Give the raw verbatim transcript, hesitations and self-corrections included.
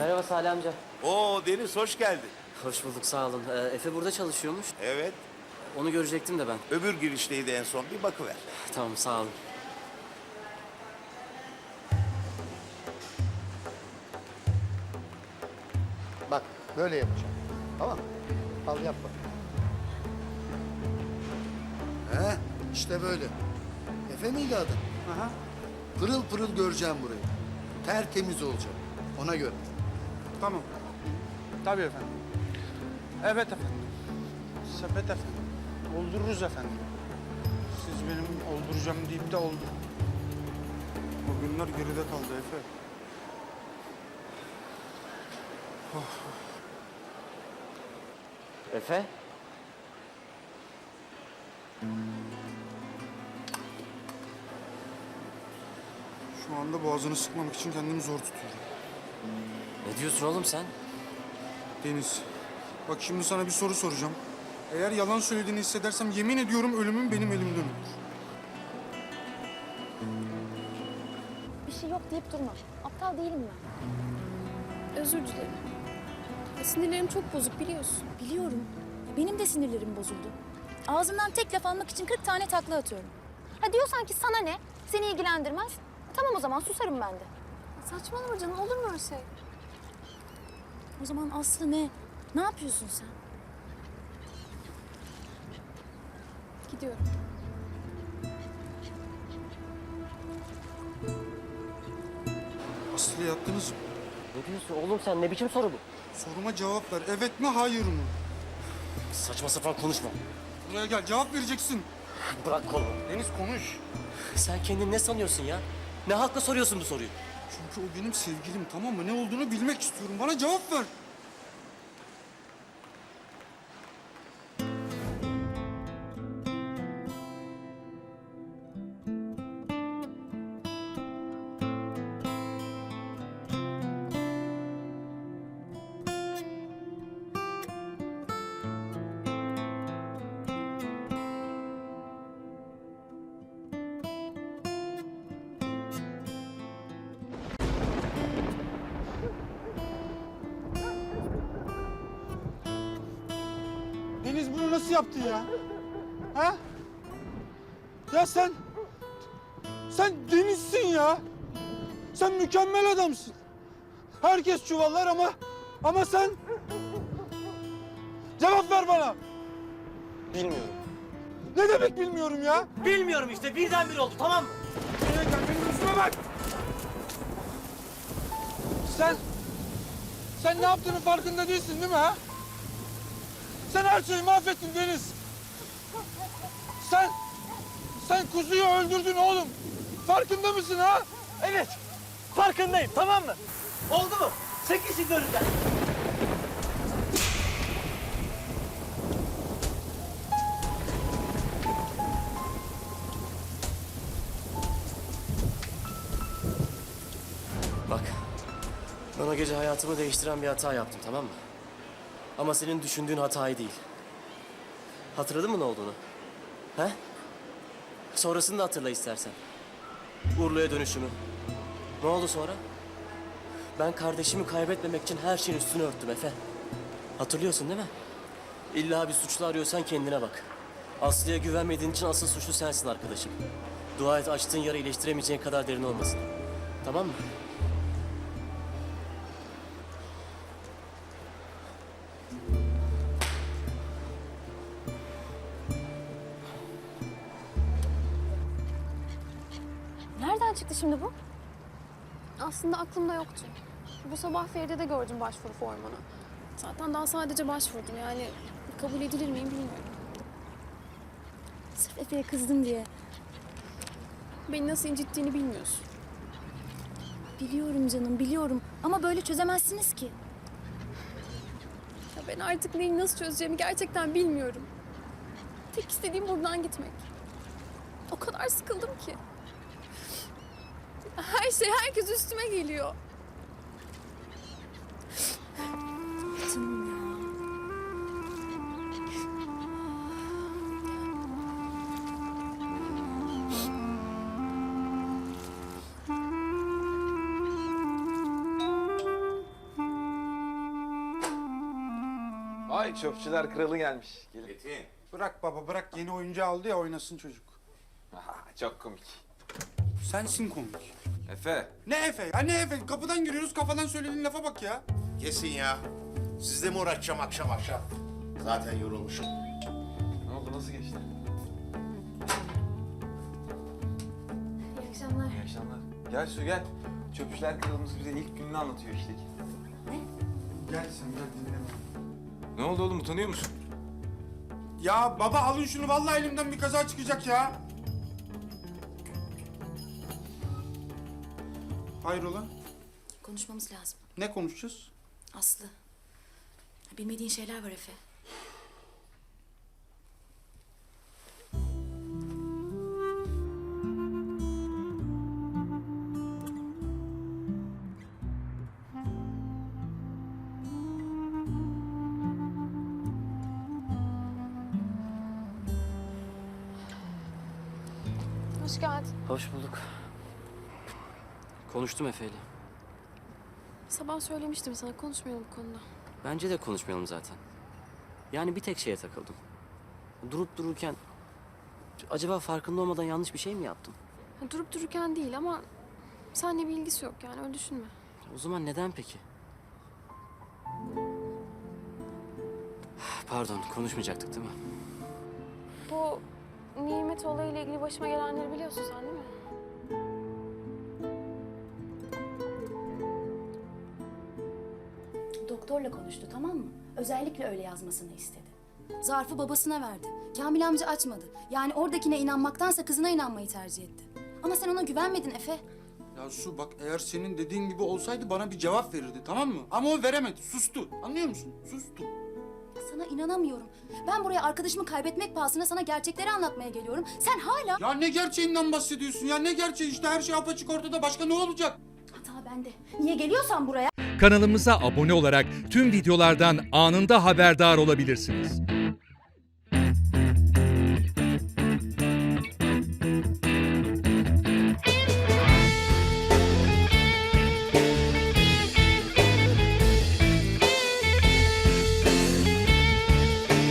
Merhaba Salih amca. Oo Deniz hoş geldin. Hoş bulduk, sağ olun. Ee, Efe burada çalışıyormuş. Evet. Onu görecektim de ben. Öbür girişteydi en son. Bir bakıver. Tamam, sağ olun. Bak böyle yapacağım. Tamam mı? Al yap bak. He işte böyle. Efe miydi adın? Aha. Pırıl pırıl göreceğim burayı. Tertemiz olacak. Ona göre. Tamam. Tabii efendim. Evet efendim. Sepet efendim. Oldururuz efendim. Siz benim olduracağım deyip de oldu. O günler geride kaldı Efe. Efe? Şu anda boğazını sıkmamak için kendimi zor tutuyorum. Ne diyorsun oğlum sen? Deniz, bak şimdi sana bir soru soracağım. Eğer yalan söylediğini hissedersem yemin ediyorum ölümüm benim elimden olur. Bir şey yok deyip durma. Aptal değilim ben. Özür dilerim. Ya sinirlerim çok bozuk biliyorsun. Biliyorum. Ya benim de sinirlerim bozuldu. Ağzımdan tek laf almak için kırk tane takla atıyorum. Ha diyorsan ki sana ne? Seni ilgilendirmez. Tamam o zaman susarım ben de. Saçmalama canım, olur mu öyle şey? O zaman Aslı ne? Ne yapıyorsun sen? Gidiyorum. Aslı'ya yattınız mı? Ne diyorsun oğlum sen? Ne biçim soru bu? Soruma cevap ver. Evet mi, hayır mı? Saçma sapan konuşma. Buraya gel, cevap vereceksin. Bırak kolumu. Deniz konuş. Sen kendini ne sanıyorsun ya? Ne hakla soruyorsun bu soruyu? Çünkü o benim sevgilim, tamam mı? Ne olduğunu bilmek istiyorum. Bana cevap ver. Deniz bunu nasıl yaptı ya? Ha? Ya sen... Sen Deniz'sin ya. Sen mükemmel adamsın. Herkes çuvallar ama... Ama sen... Cevap ver bana. Bilmiyorum. Ne demek bilmiyorum ya? Bilmiyorum işte, birdenbire oldu, tamam mı? Buraya gel, benim yüzüme bak. Sen... Sen ne yaptığının farkında değilsin değil mi ha? Sen her şeyi mahvettin Deniz. Sen... Sen kuzuyu öldürdün oğlum. Farkında mısın ha? Evet, farkındayım, tamam mı? Oldu mu? Çekil şimdi önümden. Bak, ben o gece hayatımı değiştiren bir hata yaptım, tamam mı? Ama senin düşündüğün hatayı değil. Hatırladın mı ne olduğunu? He? Sonrasını da hatırla istersen. Urla'ya dönüşümü. Ne oldu sonra? Ben kardeşimi kaybetmemek için her şeyin üstünü örttüm Efe. Hatırlıyorsun değil mi? İlla bir suçlu arıyorsan kendine bak. Aslı'ya güvenmediğin için asıl suçlu sensin arkadaşım. Dua et açtığın yara iyileştiremeyeceğin kadar derin olmasın. Tamam mı? Nereden çıktı şimdi bu? Aslında aklımda yoktu. Bu sabah Feride'de gördüm başvuru formunu. Zaten daha sadece başvurdum yani kabul edilir miyim bilmiyorum. Sırf Efe'ye kızdın diye. Beni nasıl incittiğini bilmiyorsun. Biliyorum canım, biliyorum. Ama böyle çözemezsiniz ki. Ya ben artık neyi nasıl çözeceğimi gerçekten bilmiyorum. Tek istediğim buradan gitmek. O kadar sıkıldım ki. Her şey, herkes üstüme geliyor. Canım ya. Vay çöpçüler kralı gelmiş. Gelin. Metin. Bırak baba bırak, yeni oyuncu aldı ya, oynasın çocuk. Aha, çok komik. Sensin komik. Efe. Ne Efe ya, ne Efe? Kapıdan giriyoruz, kafadan söylediğin lafa bak ya. Kesin ya. Sizle mi uğraşacağım akşam akşam? Zaten yorulmuşum. Ne oldu, nasıl geçti? İyi akşamlar. İyi akşamlar. Gel Su gel. Çöpçüler kralımız bize ilk gününü anlatıyor işte. Gel sen gel, dinle. Ne oldu oğlum, utanıyor musun? Ya baba alın şunu, vallahi elimden bir kaza çıkacak ya. Hayrola? Konuşmamız lazım. Ne konuşacağız? Aslı. Bilmediğin şeyler var Efe. Hoş geldin. Hoş bulduk. Konuştum Efe'yle. Sabah söylemiştim sana, konuşmayalım bu konuda. Bence de konuşmayalım zaten. Yani bir tek şeye takıldım. Durup dururken acaba farkında olmadan yanlış bir şey mi yaptım? Ha, durup dururken değil ama seninle bir ilgisi yok yani, öyle düşünme. O zaman neden peki? Pardon, konuşmayacaktık değil mi? Bu Nimet olayıyla ilgili başıma gelenleri biliyorsun sen değil mi? Doktorla konuştu, tamam mı? Özellikle öyle yazmasını istedi. Zarfı babasına verdi. Kamil amca açmadı. Yani oradakine inanmaktansa kızına inanmayı tercih etti. Ama sen ona güvenmedin Efe. Ya Su bak, eğer senin dediğin gibi olsaydı bana bir cevap verirdi, tamam mı? Ama o veremedi, sustu. Anlıyor musun? Sustu. Sana inanamıyorum. Ben buraya arkadaşımı kaybetmek pahasına sana gerçekleri anlatmaya geliyorum. Sen hala... Ya ne gerçeğinden bahsediyorsun ya? Ne gerçeği işte, her şey apaçık ortada, başka ne olacak? Hata bende. Niye geliyorsan buraya? Kanalımıza abone olarak tüm videolardan anında haberdar olabilirsiniz.